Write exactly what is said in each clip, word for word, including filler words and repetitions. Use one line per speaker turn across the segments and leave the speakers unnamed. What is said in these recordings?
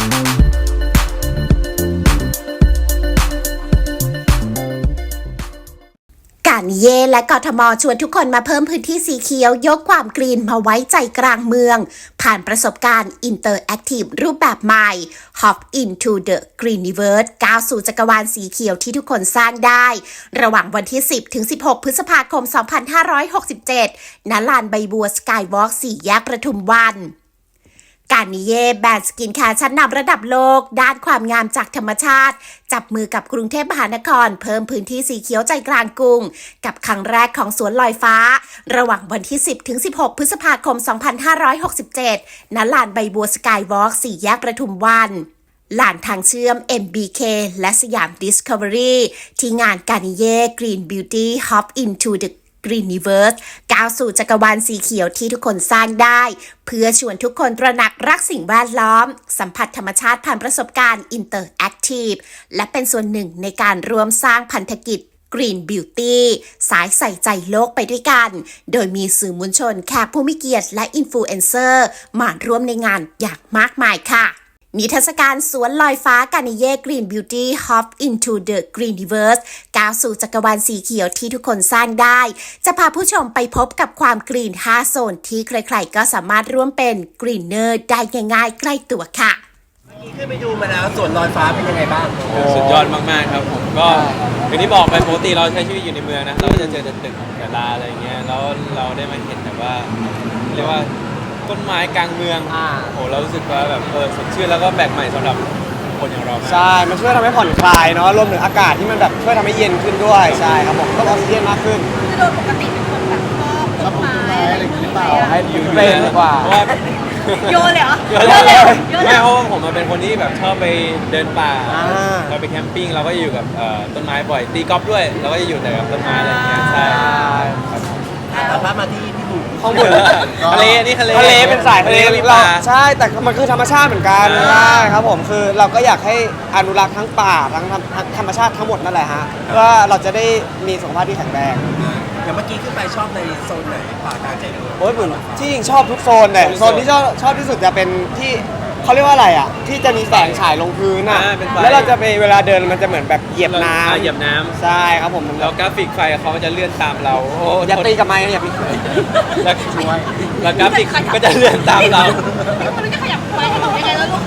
การนิเย่และกทมชวนทุกคนมาเพิ่มพื้นที่สีเขียวยกความกรีนมาไว้ใจกลางเมืองผ่านประสบการณ์ Interactive รูปแบบใหม่ Hop into the Greeniverse ก้าวสู่จักรวาลสีเขียวที่ทุกคนสร้างได้ ระหว่างวันที่ สิบถึงสิบหก พฤษภาคม สองพันห้าร้อยหกสิบเจ็ด ณ ลานใบบัวสกายวอล์กสี่แยกประทุมวันการนิเย่แบรนด์สกินแคร์ชั้นนำระดับโลกด้านความงามจากธรรมชาติจับมือกับกรุงเทพมหานครเพิ่มพื้นที่สีเขียวใจกลางกรุงกับครั้งแรกของสวนลอยฟ้าระหว่างวันที่ สิบถึงสิบหก พฤษภาคม สองพันห้าร้อยหกสิบเจ็ด ณ ลานใบบัวสกายวอล์กสี่แยกประทุมวันลานทางเชื่อม เอ็ม บี เค และสยาม Discovery ที่งานการนิเย่ Green Beauty Hop into the Greeniverse ก้าวสู่จักรวาลสีเขียวที่ทุกคนสร้างได้เพื่อชวนทุกคนตระหนักรักสิ่งแวดล้อมสัมผัสธรรมชาติผ่านประสบการณ์ Interactive และเป็นส่วนหนึ่งในการร่วมสร้างพันธกิจ Green Beauty สายใส่ใจโลกไปด้วยกันโดยมีสื่อมวลชนแขกผู้มีเกียรติและอินฟลูเอนเซอร์มาร่วมในงานอย่างมากมายค่ะนิทรรศการสวนลอยฟ้าการนิเย่ Green Beauty Hop into the Greeniverse ก้าวสู่จักรวาลสีเขียวที่ทุกคนสร้างได้จะพาผู้ชมไปพบกับความกรีนห้าโซนที่ใครๆก็สามารถร่วมเป็นกรีนเนอร์ได้ง่ายๆใกล้ตัวค่ะ
นี่ขึ้นไปดูมาแล้วสวนลอยฟ้าเป็นยังไงบ้าง
สุดยอดมากๆครับผมก็อย่างที่บอกไปปกติเราใช้ชีวิตอยู่ในเมืองนะเราก็จะเจอแต่ตึกกับลาอะไรเงี้ยแล้วเราได้มาเห็นแบบว่าเรียกว่าต้นไม้กลางเมืองอ่าโหเรารู้สึกว่าแบบเออสดชื่นแล้วก็แปลกใหม่สำหรับคนอย่างเราใช่
มันช่วยทำให้ผ่อนคลายเนาะรวมถึงอากาศที่มันแบบช่วยทำให้เย็นขึ้นด้วยใช่ครับผมก็ออกซิเจนมากขึ้น
คือโดยปกติเป็นคนแบบชอบต้นไม้อะไรอย่างเงี้ยเปล่า
ให้อยู่เล่นดีกว่า
โยนเลยเหรอ
โยนเลยไม่เพราะว่าผมเป็นคนที่แบบชอบไปเดินป่าเราไปแคมปิ้งเราก็อยู่กับต้นไม้บ่อยตีกอล์ฟด้วยเราก็จะอยู่แต่กับต้นไม้อะไรอย่างเงี้ยใช่
แต่ว่ามาที่พี่หนุ่ม
ข้างบน
ทะเลนี่ทะเล
ทะเลเป็นสายทะเลเราใช่แต่มันคือธรรมชาติเหมือนกันใช่ครับผมคือเราก็อยากให้อนุรักษ์ทั้งป่าทั้งธรรมชาติทั้งหมดนั่นแหละฮะเพื่อเราจะได้มีสุขภาพที่แข็งแรง
อย่างเมื่อกี้ขึ้นไปชอบในโซนไหนป่ากลางใจเมือง
โอ้ยผมที่จริงชอบทุกโซนเลยโซนที่ชอบชอบที่สุดจะเป็นที่เขาเรียกว่าอะไรอ่ะที่จะมีแสงฉายลงพื้นอ่ะแล้วเราจะไปเวลาเดินมันจะเหมือนแบบเหยียบน้ำ
เหยียบน้
ำใช่ครับผม
แล้วกราฟิกไฟเขาจะเลื่อนตามเรา
อย่าตีกับไม้อย่าตี
แล้วแล้วกราฟิกก็จะเลื่อนตามเรา
มันจะขยับไปให้บอกยังไงแล้วลูก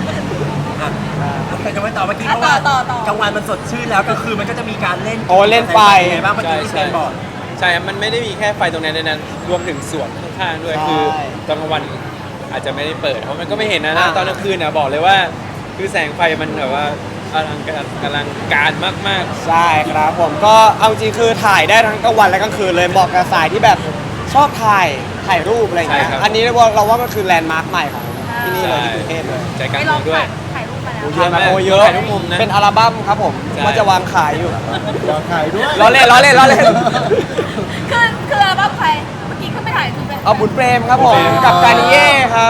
จะไม่ต่อเมื่อกี้เพราะว่ากลางวันมันสดชื่นแล้วก็คือมันก็จะมีการเล่น
โอ้เล่นไฟ
ไงบ้างเมื่อกี้ที่เป็นบอร์ด
ใช่มันไม่ได้มีแค่ไฟตรงนั้นนั้นรวมถึงสวนข้างๆด้วยคือตอนกลางวันอาจจะไม่ได้เปิดเพราะมันก็ไม่เห็นนะนะตอนกลางคืนเนี่ยบอกเลยว่าคือแสงไฟมันแบบว่าอลังการอลังการมาก
ๆใช่ครับผมก็เอาจริงคือถ่ายได้ทั้งกลางวันและกลางคืนเลยเหมาะกับสายที่แบบชอบถ่ายถ่ายรูปอะไรอย่างเงี้ยอันนี้เราว่ามันคือแลนด์มาร์คใหม่ของที่นี่เลยที่กรุงเทพเลย
ใจกลางเมืองด้วย
ถ่ายรูปมาแล้ว
เยอะมากโอ้เยอะ
ทุกมุมนะ
เป็นอัลบั้มครับผมว่าจะวางขายอยู่
วางขายด้วย
ล้อเล่นล้อเล่นล้อเล่น
คือคืออัลบั้มใครเมื่อกี้ขึ้นไปถ่ายคือ
เอาบุญเปรมครับผมกับการนิเย่ครับ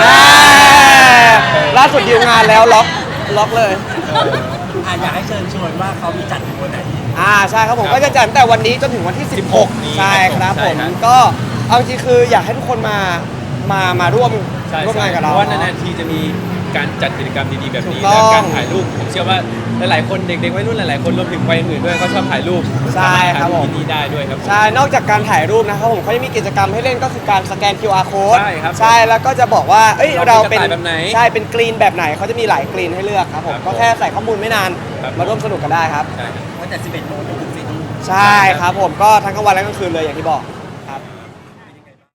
ล่าสุดดีลงานแล้วล็อกล็อกเลย
อยากให้เชิญชวนว่าเขามีจัดวันไหน
อ่าใช่ครับผมก็จะจัดแต่วันนี้จนถึงวันที่สิบหกใช่ครับผมก็เอาจริงคืออยากให้ทุกคนมามามาร่วมร่วมงานกับเรา
เพราะว่านานๆทีจะมีการจัดกิจกรรมดีๆแบบนี้และการถ่ายรูปผมเชื่อว่าหลายๆคนเด็กๆวัยรุ่นหลายๆคนรวมถึงวัยอื่นด้วยก็ชอบถ่ายรูป
ใช่ครับผม
ที่นี่ได้ด้วยครับ
ใช่นอกจากการถ่ายรูปนะครับผมเขาจะมีกิจกรรมให้เล่นก็คือการสแกน คิว อาร์ code
ใช่ครับ
ใช่แล้วก็จะบอกว่าเอ้ยเราเป็น
แบบไหน
ใช่เป็นกรีนแบบไหนเขาจะมีหลายกรีนให้เลือกครับผมก็แค่ใส่ข้อมูลไม่นานมาร่วมสนุกกันได้ครับ
ตั้งแต่สิบเอ็ดโมงจนถึงสี่ทุ่ม
ใช่ครับผมก็ทั้งกลางวันและกลางคืนเลยอย่างที่บอก